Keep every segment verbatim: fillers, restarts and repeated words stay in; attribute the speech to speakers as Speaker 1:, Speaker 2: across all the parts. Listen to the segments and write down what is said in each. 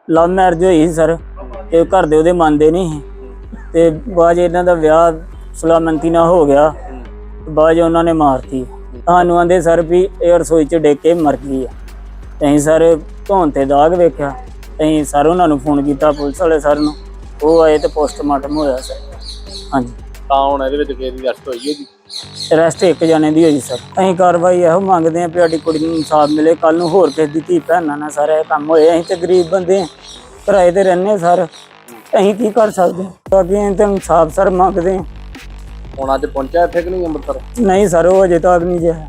Speaker 1: Love marriage ਹੋਈ sir, ਤੇ ਘਰ ਦੇ ਉਹਦੇ ਮੰਨਦੇ ਨਹੀਂ ਤੇ ਬਾਅਦ ਇਹਨਾਂ ਦਾ ਵਿਆਹ ਸੁਲਾਮੰਤੀ ਨਾਲ ਹੋ ਗਿਆ। ਬਾਅਦ ਉਹਨਾਂ ਨੇ ਮਾਰਤੀ। ਸਾਨੂੰ ਆਂਦੇ ਸਰ ਵੀ ਇਹ ਰਸੋਈ 'ਚ ਡਿੱਗ ਕੇ ਮਰ ਗਈ ਆ। ਅਸੀਂ ਸਰ ਧੌਣ ਤੇ ਦਾਗ ਵੇਖਿਆ। ਅਸੀਂ ਸਰ ਉਹਨਾਂ ਨੂੰ ਫੋਨ ਕੀਤਾ, ਪੁਲਿਸ ਵਾਲੇ ਸਰ ਨੂੰ, ਉਹ ਆਏ ਤੇ ਪੋਸਟਮਾਰਟਮ ਹੋਇਆ ਸਰ। ਹਾਂਜੀ,
Speaker 2: ਤਾਂ ਹੁਣ ਇਹਦੇ ਵਿੱਚ ਕਿਸੇ ਦੀ ਅਰੈਸਟ ਹੋਈ ਹੈ ਜੀ?
Speaker 1: ਅਰੈਸਟ ਇੱਕ ਜਣੇ ਦੀ ਹੋਈ ਸਰ। ਅਸੀਂ ਕਾਰਵਾਈ ਇਹੋ ਮੰਗਦੇ ਹਾਂ ਵੀ ਸਾਡੀ ਕੁੜੀ ਨੂੰ ਇਨਸਾਫ ਮਿਲੇ। ਕੱਲ ਨੂੰ ਹੋਰ ਕਿਸੇ ਦੀ ਧੀ ਭੈਣਾਂ ਨਾਲ ਸਰ ਇਹ ਕੰਮ ਹੋਏ। ਅਸੀਂ ਤੇ ਗਰੀਬ ਬੰਦੇ ਹਾਂ, ਕਿਰਾਏ ਤੇ ਰਹਿੰਦੇ ਸਰ, ਅਸੀਂ ਕੀ ਕਰ ਸਕਦੇ? ਬਾਕੀ ਅਸੀਂ ਤਾਂ ਇਨਸਾਫ ਸਰ ਮੰਗਦੇ ਹਾਂ।
Speaker 2: ਹੁਣ ਅੱਜ ਪਹੁੰਚਿਆ ਇੱਥੇ ਕਿ ਨਹੀਂ ਅੰਮ੍ਰਿਤਸਰ?
Speaker 1: ਨਹੀਂ ਸਰ, ਉਹ ਅਜੇ ਤੱਕ ਨਹੀਂ ਜਿਆ।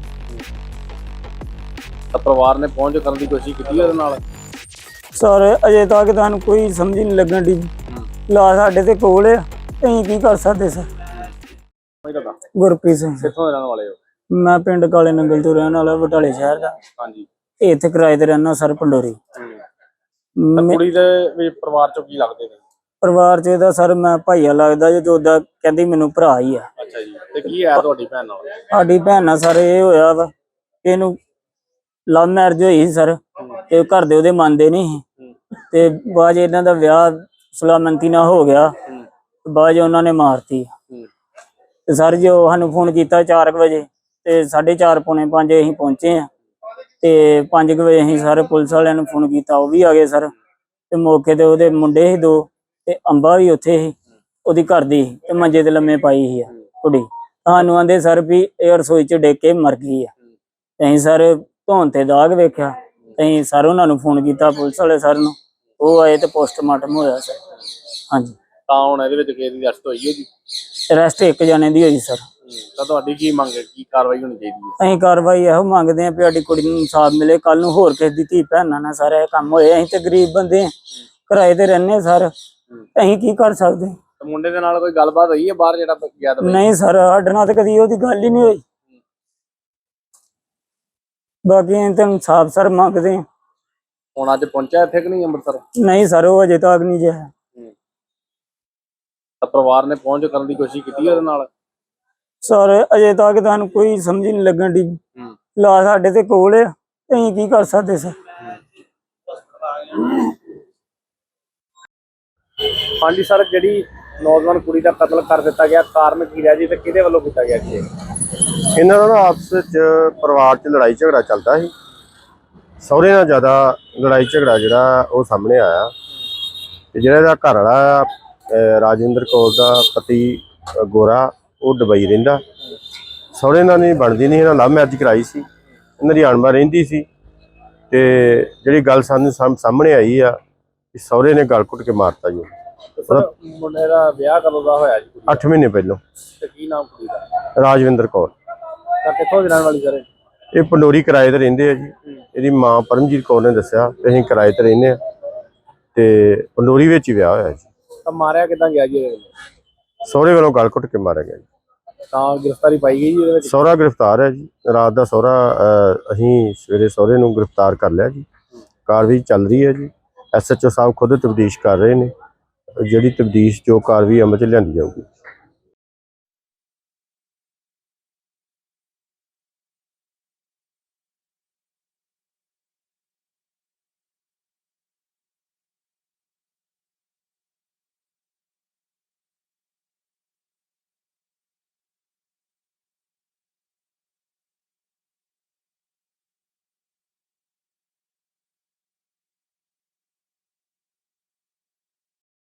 Speaker 2: ਤਾਂ ਪਰਿਵਾਰ ਨੇ ਪਹੁੰਚ ਕਰਨ ਦੀ ਕੋਸ਼ਿਸ਼ ਕੀਤੀ ਉਹਦੇ ਨਾਲ?
Speaker 1: ਸਰ ਅਜੇ ਤੱਕ ਤੁਹਾਨੂੰ ਕੋਈ ਸਮਝ ਨਹੀਂ ਲੱਗਣ ਦੀ। ਲਾ ਸਾਡੇ ਤੇ ਕੋਲ ਆ, ਅਸੀਂ ਕੀ ਕਰ ਸਕਦੇ ਸਰ? ਗੁਰਪ੍ਰੀਤ ਸਿੰਘ।
Speaker 2: ਕਿੱਥੋਂ ਦੇ ਰਹਿਣ ਵਾਲੇ ਹੋ?
Speaker 1: ਮੈਂ ਪਿੰਡ ਕਾਲੇ ਨੰਗਲ ਤੋਂ ਰਹਿਣ ਵਾਲਾ, ਬਟਾਲੇ ਸ਼ਹਿਰ ਦਾ।
Speaker 2: ਹਾਂਜੀ,
Speaker 1: ਇੱਥੇ ਕਿਰਾਏ ਤੇ ਰਹਿਣਾ ਸਰ, ਪੰਡੋਰੀ।
Speaker 2: ਕੁੜੀ ਦੇ ਵੀ ਪਰਿਵਾਰ ਚੋਂ ਕੀ ਲੱਗਦੇ ਨੇ?
Speaker 1: ਪਰਿਵਾਰ ਚ ਇਹਦਾ ਸਰ ਮੈਂ ਭਾਈਆ ਲੱਗਦਾ ਜੇ, ਉਹਦਾ ਕਹਿੰਦੀ ਮੈਨੂੰ ਭਰਾ ਹੀ ਆ।
Speaker 2: ਅੱਛਾ ਜੀ, ਤੇ ਕੀ ਹੈ ਤੁਹਾਡੀ ਭੈਣ ਨਾਲ?
Speaker 1: ਸਾਡੀ ਭੈਣ ਨਾਲ ਸਰ ਇਹ ਹੋਇਆ ਵਾ, ਇਹਨੂੰ ਲਵ ਮੈਰਿਜ ਹੋਈ ਸਰ, ਤੇ ਘਰ ਦੇ ਉਹਦੇ ਮੰਨਦੇ ਨਹੀਂ ਤੇ ਬਾਅਦ ਇਹਨਾਂ ਦਾ ਵਿਆਹ ਸੁਲਾਮੰਤੀ ਨਾਲ ਹੋ ਗਿਆ। ਬਾਅਦ ਉਹਨਾਂ ਨੇ ਮਾਰਤੀ। ਤੇ ਸਰ ਜੀ ਉਹ ਸਾਨੂੰ ਫੋਨ ਕੀਤਾ ਚਾਰ ਕੁ ਵਜੇ, ਤੇ ਸਾਢੇ ਚਾਰ ਪੌਣੇ ਪੰਜ ਅਸੀਂ ਪਹੁੰਚੇ ਆ। ਤੇ ਪੰਜ ਕੁ ਵਜੇ ਅਸੀਂ ਸਾਰੇ ਪੁਲਿਸ ਵਾਲਿਆਂ ਨੂੰ ਫੋਨ ਕੀਤਾ, ਉਹ ਵੀ ਆ ਗਏ ਸਰ। ਤੇ ਮੌਕੇ ਤੇ ਉਹਦੇ ਮੁੰਡੇ ਸੀ ਦੋ, ਤੇ ਅੰਬਾ ਵੀ ਉੱਥੇ ਸੀ, ਉਹਦੀ ਘਰ ਦੀ, ਤੇ ਮੰਜੇ ਤੇ ਲੰਮੇ ਪਾਈ ਸੀ ਆ ਕੁੜੀ। ਸਾਨੂੰ ਆਂਦੇ ਸਰ ਵੀ ਇਹ ਰਸੋਈ 'ਚ ਡਿੱਗ ਕੇ ਮਰ ਗਈ ਆ। ਅਸੀਂ ਸਰ ਧੌਣ ਤੇ ਦਾਗ ਵੇਖਿਆ। ਅਸੀਂ ਸਰ ਉਹਨਾਂ ਨੂੰ ਫੋਨ ਕੀਤਾ, ਪੁਲਿਸ ਵਾਲੇ ਸਰ ਨੂੰ, ਉਹ ਆਏ ਤੇ ਪੋਸਟਮਾਰਟਮ ਹੋਇਆ ਸਰ। ਹਾਂਜੀ,
Speaker 2: ਤਾਂ ਹੁਣ ਇਹਦੇ ਵਿੱਚ ਕਿਸੇ ਦੀ ਅਰੈਸਟ ਹੋਈ ਹੈ ਜੀ?
Speaker 1: ਅਰੈਸਟ ਇੱਕ ਜਣੇ ਦੀ ਹੋਈ ਸਰ।
Speaker 2: ਤਾਂ ਤੁਹਾਡੀ ਕੀ ਮੰਗ ਹੈ, ਕੀ ਕਾਰਵਾਈ ਹੋਣੀ ਚਾਹੀਦੀ ਹੈ?
Speaker 1: ਅਸੀਂ ਕਾਰਵਾਈ ਇਹੋ ਮੰਗਦੇ ਹਾਂ ਵੀ ਸਾਡੀ ਕੁੜੀ ਨੂੰ ਇਨਸਾਫ ਮਿਲੇ। ਕੱਲ ਨੂੰ ਹੋਰ ਕਿਸੇ ਦੀ ਧੀ ਭੈਣਾਂ ਨਾਲ ਸਰ ਇਹ ਕੰਮ ਹੋਏ। ਅਸੀਂ ਤੇ ਗਰੀਬ ਬੰਦੇ ਹਾਂ, ਕਿਰਾਏ ਤੇ ਰਹਿੰਦੇ ਸਰ, ਅਸੀਂ ਕੀ ਕਰ ਸਕਦੇ?
Speaker 2: ਮੁੰਡੇ ਦੇ ਨਾਲ ਕੋਈ ਗੱਲਬਾਤ ਹੋਈ ਹੈ ਬਾਹਰ ਜਿਹੜਾ ਗਿਆ ਤਾਂ?
Speaker 1: ਨਹੀਂ ਸਰ, ਸਾਡੇ ਨਾਲ ਤਾਂ ਕਦੀ ਉਹਦੀ ਗੱਲ ਹੀ ਨਹੀਂ ਹੋਈ। ਬਾਕੀ ਅਸੀਂ ਤਾਂ ਇਨਸਾਫ ਸਰ ਮੰਗਦੇ ਹਾਂ।
Speaker 2: ਹੁਣ ਅੱਜ ਪਹੁੰਚਿਆ ਇੱਥੇ ਕਿ ਨਹੀਂ ਅੰਮ੍ਰਿਤਸਰ?
Speaker 1: ਨਹੀਂ ਸਰ, ਉਹ ਅਜੇ ਤੱਕ ਨਹੀਂ ਜਿਆ।
Speaker 2: ਤਾਂ ਪਰਿਵਾਰ ਨੇ ਪਹੁੰਚ ਕਰਨ ਦੀ ਕੋਸ਼ਿਸ਼ ਕੀਤੀ ਉਹਦੇ ਨਾਲ?
Speaker 1: ਸਰ ਅਜੇ ਤੱਕ ਤੁਹਾਨੂੰ ਕੋਈ ਸਮਝ ਨਹੀਂ ਲੱਗਣ ਦੀ। ਲਾ ਸਾਡੇ ਤੇ ਕੋਲ ਆ, ਅਸੀਂ ਕੀ ਕਰ ਸਕਦੇ ਸਰ?
Speaker 2: ਹਾਂਜੀ ਸਰ, ਜਿਹੜੀ ਨੌਜਵਾਨ ਕੁੜੀ ਦਾ ਕਤਲ ਕਰ ਦਿੱਤਾ ਗਿਆ, ਕਾਰਨ ਕੀ ਰਿਹਾ ਜੀ ਤੇ ਕਿਹਦੇ ਵੱਲੋਂ ਕੀਤਾ ਗਿਆ ਜੀ?
Speaker 3: ਇਹਨਾਂ ਦਾ ਆਪਸ ਵਿੱਚ ਪਰਿਵਾਰ 'ਚ ਲੜਾਈ ਝਗੜਾ ਚੱਲਦਾ ਸੀ। ਸਹੁਰੇ ਨਾਲ ਜ਼ਿਆਦਾ ਲੜਾਈ ਝਗੜਾ ਜਿਹੜਾ ਉਹ ਸਾਹਮਣੇ ਆਇਆ। ਤੇ ਜਿਹੜਾ ਇਹਦਾ ਘਰ ਵਾਲਾ ਰਾਜਿੰਦਰ ਕੌਰ ਦਾ ਪਤੀ ਗੋਰਾ, ਉਹ ਦੁਬਈ ਰਹਿੰਦਾ। ਸਹੁਰੇ ਨਾਲ ਨਹੀਂ ਬਣਦੀ ਨਹੀਂ, ਇਹਨਾਂ ਲਵ ਮੈਰਿਜ ਕਰਾਈ ਸੀ, ਇਹਨਾਂ ਦੀ ਅਣਬਣ ਰਹਿੰਦੀ ਸੀ। ਤੇ ਜਿਹੜੀ ਗੱਲ ਸਾਨੂੰ ਸਾਹਮਣੇ ਆਈ ਆ ਕਿ ਸਹੁਰੇ ਨੇ ਗਲ ਘੁੱਟ ਕੇ ਮਾਰਤਾ ਜੀ।
Speaker 2: ਮੁੰਡੇ ਦਾ ਵਿਆਹ ਕਦੋਂ ਦਾ ਹੋਇਆ ਜੀ?
Speaker 3: ਅੱਠ ਮਹੀਨੇ ਪਹਿਲਾਂ।
Speaker 2: ਤੇ ਕੀ ਨਾਮ ਕੁੜੀ ਦਾ?
Speaker 3: ਰਾਜਵਿੰਦਰ ਕੌਰ।
Speaker 2: ਤਾਂ ਕਿੱਥੋਂ ਦੀ ਰਹਿਣ ਵਾਲੀ ਸਰ?
Speaker 3: ਇਹ ਪੰਡੋਰੀ ਕਿਰਾਏ ਤੇ ਰਹਿੰਦੇ ਆ ਜੀ। ਇਹਦੀ ਮਾਂ ਪਰਮਜੀਤ ਕੌਰ ਨੇ ਦੱਸਿਆ ਕਿ ਅਸੀਂ ਕਿਰਾਏ ਤੇ ਰਹਿੰਦੇ ਆ, ਤੇ ਪੰਡੋਰੀ ਵਿੱਚ ਹੀ ਵਿਆਹ ਹੋਇਆ ਜੀ।
Speaker 2: ਤਾਂ ਮਾਰਿਆ ਕਿੱਦਾਂ ਗਿਆ ਜੀ?
Speaker 3: ਸਹੁਰੇ ਵੱਲੋਂ ਗਲ ਘੁੱਟ ਕੇ ਮਾਰਿਆ ਗਿਆ ਜੀ।
Speaker 2: ਤਾਂ ਗ੍ਰਿਫਤਾਰੀ ਪਾਈ ਗਈ ਜੀ ਇਹਦੇ ਵਿੱਚ?
Speaker 3: ਸਹੁਰਾ ਗ੍ਰਿਫਤਾਰ ਹੈ ਜੀ। ਰਾਤ ਦਾ ਸਹੁਰਾ, ਅਸੀਂ ਸਵੇਰੇ ਸਹੁਰੇ ਨੂੰ ਗ੍ਰਿਫਤਾਰ ਕਰ ਲਿਆ ਜੀ। ਕਾਰਵਾਈ ਚੱਲ ਰਹੀ ਹੈ ਜੀ। ਐਸ ਐਚ ਓ ਸਾਹਿਬ ਖੁਦ ਤਬਦੀਸ਼ ਕਰ ਰਹੇ ਨੇ। ਜਿਹੜੀ ਤਬਦੀਸ਼ ਜੋ ਕਾਰਵਾਈ ਅਮਲ 'ਚ ਲਿਆਂਦੀ ਜਾਊਗੀ।